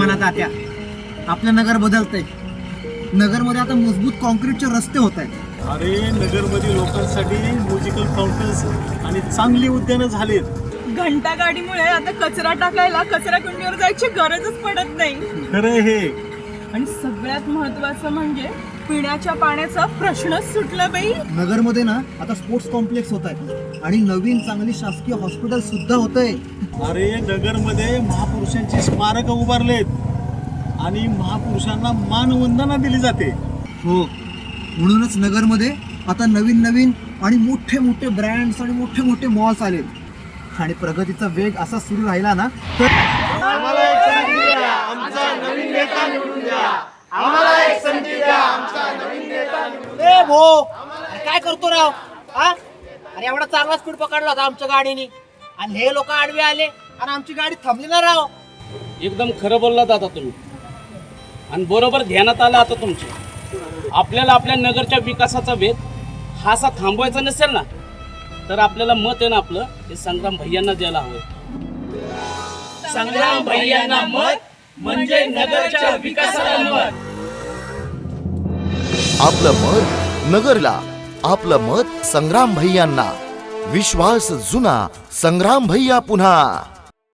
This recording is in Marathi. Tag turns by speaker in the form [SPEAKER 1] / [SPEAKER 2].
[SPEAKER 1] म्हणा तात्या, आपलं नगर बदलतंय. नगरमध्ये आता मजबूत कॉन्क्रीटचे रस्ते होत आहेत.
[SPEAKER 2] अरे नगरमध्ये लोकांसाठी म्युझिकल फाउंटन्स आणि चांगली उद्यानं झालीत.
[SPEAKER 3] घंटा गाडीमुळे आता कचरा टाकायला कचरा कुंडीवर जायची गरजच पडत नाही.
[SPEAKER 2] खरं हे.
[SPEAKER 3] आणि सगळ्यात महत्वाचं म्हणजे पिण्याच्या पाण्याचा प्रश्नच सुटला बाई.
[SPEAKER 1] नगरमध्ये ना आता स्पोर्ट्स कॉम्प्लेक्स होत आहेत आणि नवीन चांगली शासकीय हॉस्पिटल सुद्धा होत आहे.
[SPEAKER 2] अरे नगरमध्ये महापुरुषांची स्मारक उभारलेत आणि महापुरुषांना मानवंदना दिली जाते.
[SPEAKER 1] हो, म्हणूनच नगरमध्ये आता नवीन नवीन आणि मोठे मोठे ब्रँड्स आणि मोठे मोठे मॉल्स आलेत. आणि प्रगतीचा वेग असा सुरू राहिला ना तर
[SPEAKER 4] काय करतो राव? हा, अरे एवढा चांगला स्पीड पकडला होता आमच्या गाडीने आणि हे लोक आडवे आले आणि आमची गाडी थांबली ना राव.
[SPEAKER 5] एकदम खरं बोललात आता तुम्ही आणि बरोबर ध्यानात आलं आता तुमच्या. आपल्याला आपल्या नगरच्या विकासाचा वेग हा असा थांबवायचा नसेल ना तर आपल्याला मत आहे ना आपलं हे संग्राम भैयांना द्यायला हवं. संग्राम भैयांना मत म्हणजे नगरच्या विकासाला मत.
[SPEAKER 6] आपलं मत नगरला, आपलं मत संग्राम भैयांना. विश्वास जुना, संग्राम भैया पुन्हा.